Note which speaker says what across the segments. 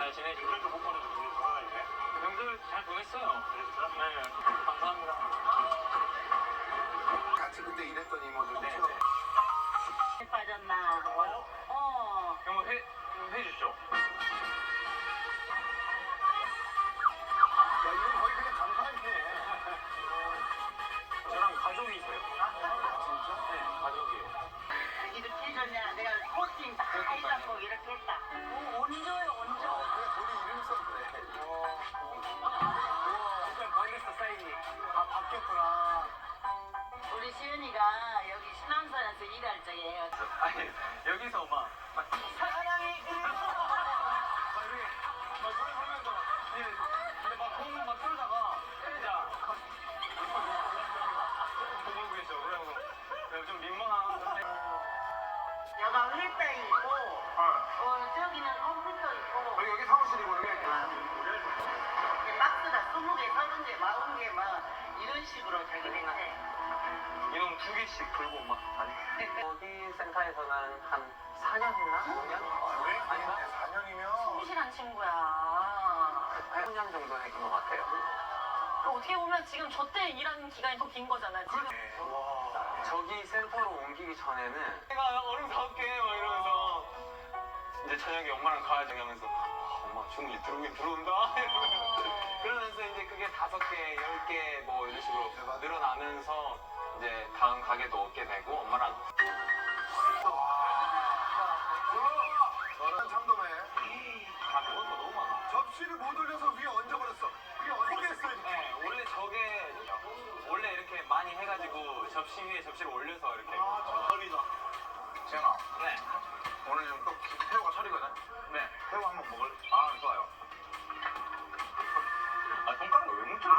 Speaker 1: 잘 지내지?
Speaker 2: 명절도 못 보내주고 우리 돌아다니네.
Speaker 1: 명절 잘 보냈어요. 네, 감사합니다.
Speaker 2: 같이 그때 일했던 이모들.
Speaker 1: 네.
Speaker 3: 빠졌나?
Speaker 1: 한번 해주시죠.
Speaker 2: 야, 이건 거의 그냥 간판이네.
Speaker 1: 저랑 가족이세요.
Speaker 2: 진짜?
Speaker 1: 네, 가족이에요.
Speaker 3: 이렇게 해줬냐? 내가 코팅 다 해갖고 이렇게 했다. 원조요, 원조.
Speaker 2: 그냥 본인 이름 썼네.
Speaker 1: 일단 바뀌었어, 사인이.
Speaker 2: 아, 바뀌었구나.
Speaker 3: 우리 시은이가 여기 신암산에서 일할 적에
Speaker 1: 아니, 여기서 막 사랑이 막 이렇게 막 노래 부르면서 근데 막 공막 틀다가 진짜 보고 계셔. 그래서 내가 좀 민망한데.
Speaker 3: 여가 일대 있고, 저기는 컴퓨터 있고,
Speaker 2: 여기 사무실이고,
Speaker 3: 이렇게 박스가 20개, 30개, 40개 막 이런 식으로 자기네가 해.
Speaker 1: 이놈 2개씩 들고 막 다니. 여기 센터에서는 한 4년 했나? 5년?
Speaker 2: 왜?
Speaker 1: 아닌가?
Speaker 2: 4년이면.
Speaker 4: 성실한 친구야.
Speaker 1: 8년 정도 했던 것 같아요.
Speaker 4: 그 어떻게 보면 지금 저 때 일하는 기간이 더 긴 거잖아. 지금.
Speaker 2: 와.
Speaker 1: 저기 센터로 옮기기 전에는 내가 얼음 사올게 막 이러면서 이제 저녁에 엄마랑 가야지 하면서 엄마 주문이 들어오긴 들어온다 그러면서 이제 그게 5개, 10개 뭐 이런 식으로 늘어나면서 이제 다음 가게도 얻게 되고 엄마랑
Speaker 2: 너는 참돔해.
Speaker 1: 다 먹을 거 너무 많아.
Speaker 2: 접시를 못 올려서 위에 얹어버렸어. 위에 얹어버렸어.
Speaker 1: 네, 원래 저게 원래 이렇게 많이 해가지고 접시 위에 접시를 올려서 이렇게
Speaker 2: 설이다. 재현아,
Speaker 1: 네,
Speaker 2: 오늘 또 태호가 설이거든?
Speaker 1: 네.
Speaker 2: 태호 한번 먹을?
Speaker 1: 아 좋아요. 아 손가락을 왜 묻혀?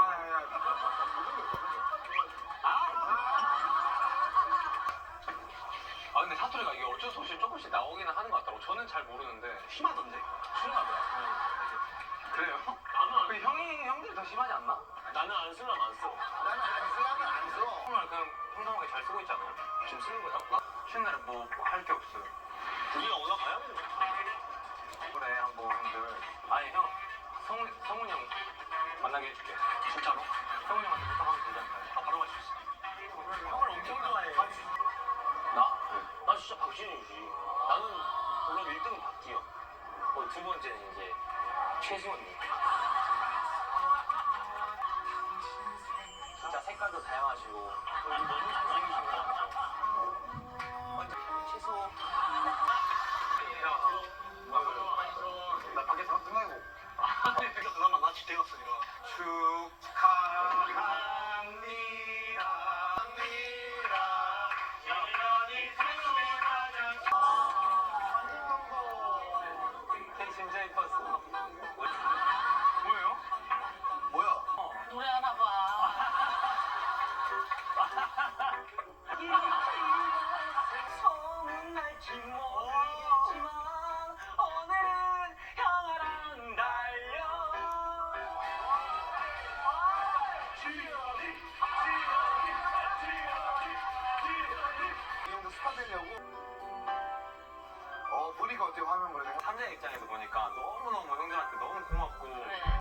Speaker 1: 아 근데 사투리가 이게 어쩔 수 없이 조금씩 나오기는 하는 것 같더라고. 저는 잘 모르는데 심하던데. 심하더라. 그래요? 나는 형들이 더 심하지 않나? 나는 안 쓰려면 안 써.
Speaker 2: 나는 안 쓰려면 안 써.
Speaker 1: 정말 그냥 평범하게 잘 쓰고 있잖아요. 지금 쓰는 거야? 나 쉬는 날에 뭐 할 게 없어요. 우리가 오나 가야 돼. 그래 한번 형들. 아니 형 성훈이 형 만나게 해줄게. 진짜로? 성훈이 형한테 부탁하면 되지 않나요? 아 바로 갈수 있어. 형을 엄청 좋아해. 나? 나 진짜 박진우지. 나는 물론 1등은 박기영. 두 번째는 이제 최수원님. 진짜 색깔도 다양하시고 너무 잘생기신 것 같아요. 먼저 최소.
Speaker 2: 나 밖에서 끝나고.
Speaker 1: 그나마 나 집에 갔어 이거.
Speaker 2: 축하합니다.
Speaker 1: 진짜 이뻤어. 뭐예요?
Speaker 2: 뭐야?
Speaker 4: 노래하나 봐.
Speaker 1: 소문날지 모르겠지만 오늘은 형아랑 달려.
Speaker 2: 이 형도 스타 되려고? 보니까 어때요? 화면 보니까?
Speaker 1: 삼자 입장에서 보니까 너무너무 형들한테 너무 고맙고
Speaker 4: 그래.